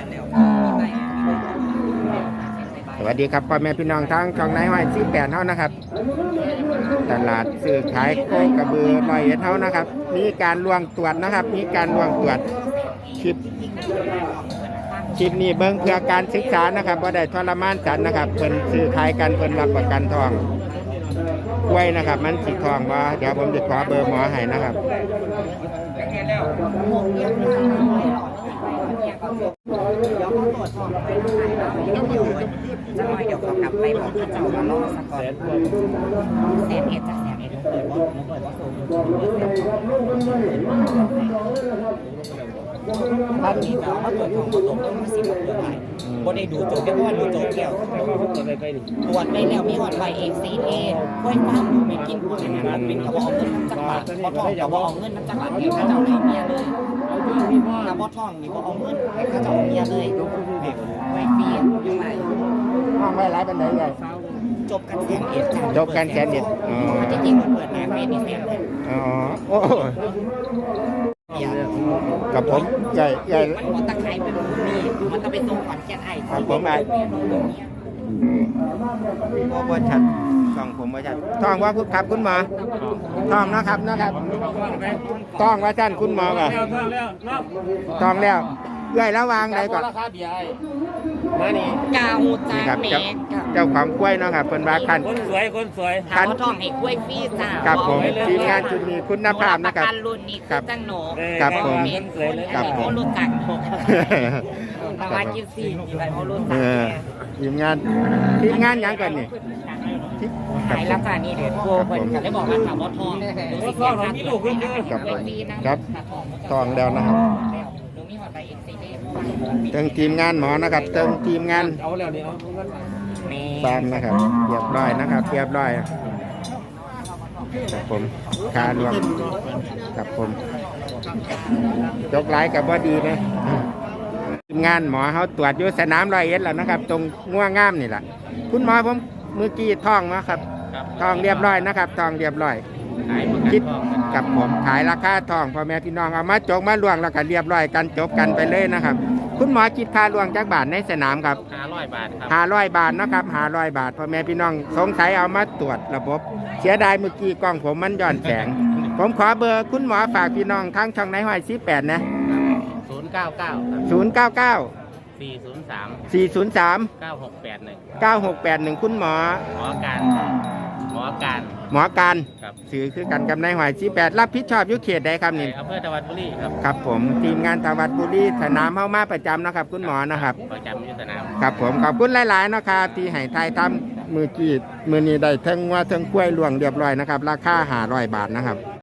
สวัสดีครับพ่อแม่พี่น้องทั้งช่องนายห้อย48เท่านะครับตลาดซื้อขายโคกระบือ101เท่านะครับมีการล่วงตรวจนะครับมีการล่วงตรวจคลิปนี้เบิ่งเพื่อการศึกษานะครับว่าได้ทรมานสัตว์นะครับเพิ่นซื้อขายกันเพิ่นรับประกันทองกล้วยนะครับมันสิทองบ่เดี๋ยวผมจะขอเบอร์หมอให้นะครับจะลอยเดี๋ยวเขากลับไปบอกเขาเจ้ามาล่อสะก่อนแสนเอ็ดจะแสนเอ็ดเปิดว่าเปิดว่าโซ่บ้านนี้เราเปิดของตกต้องมาสิบเดือนไหนบนได้ดูโจกเพราะว่าดูโจกแก้วตรวจได้แล้วมีหอดไวเอ็กซีเอกล้วยฟ้าไปกินพวกนั้นมันเป็นกระบอกเงินน้ำจักรบาทพอทองกระบอกเงินน้ำจักรบาทเองเขาจะเอาเมียเลยกระบอกทองนี่ก็เอาเงินให้เขาจะเอาเมียเลยไวฟีนยังไงห้องไว้หลายเป็นไหนใหญ่จบกันแสนเอ็ดจบกันแสนเอ็ดจริงๆมันเปิดแหนเฟซนี่แสนเลยโอ้กับผมใหญ่มันตะไคร้เป็นนี่มันต้องไปส่งขอนแก่นไอ้ครับผมไอ้ว่าชัดกล่องผมว่าชัดทองว่าคุณครับคุณหมอทองนะครับทองว่าท่านคุณหมอป่ะทองแล้วใหญ่แล้ววางไหนก่อนมานี่กาวจ้าเมกเจ้าของกล้วยนะครับเป็นว่าคันคนสวยขันทองให้กล้วยฟรีจ้ากับผมทีมงานชุดนี้คุณภาพนะครับรุ่นนี้คือตั้งโหนกับผมกับผมรุ่นต่างโหนประมาณ24มีอะไรรุ่นต่างทีมงานยังกันนี่ขายราคานี่เด็ดโบเพิ่นก็เลยบอกว่าถามว่าทองดูสิครับมีลูกขึ้นครับทองแล้วนะครับเติมทีมงานหมอนะครับเติมทีมงานตามนะครับเรียบร้อยนะครับเรียบร้อยกับผมคารวมกับผมจกไล่กับว่าดีนะทีมงานหมอเขาตรวจอยู่สนาม101แล้วนะครับตรงง่วงง่ามนี่แหละคุณหมอผมเมื่อกี้ท่องนะครับท่องเรียบร้อยนะครับท่องเรียบร้อยคิดกับผมขายราคาทองพ่อแม่พี่น้องเอามาจกมาล่วงแล้วก็เรียบร้อยกันจบกันไปเลยนะครับคุณหมอคิดค่าล่วงจากบาทในสนามครับ 500 บาทครับ 500 บาทนะครับ500 บาทพ่อแม่พี่น้องสงสัยเอามาตรวจระบบเสียดายเมื่อกี้กล้องผมมันย้อนแสงผมขอเบอร์คุณหมอฝากพี่น้องทั้งช่องนายห้อย48นะ099 403 9681คุณหมอการสื่อคือกันกับนายหอย48รับผิดชอบยุเขตใดครับนี่อำเภอตะวันบุรีครับผมทีมงานตะวันบุรีสนามเข้ามาประจำนะครับคุณหมอนะครับประจำอยู่สนามครับผมขอบคุณหลายๆนะครับที่ให้ไทยทำมือกีดมือนี้ได้ทั้งว่าทั้งกล้วยล่วงเรียบร้อยนะครับราคา500 บาทนะครับ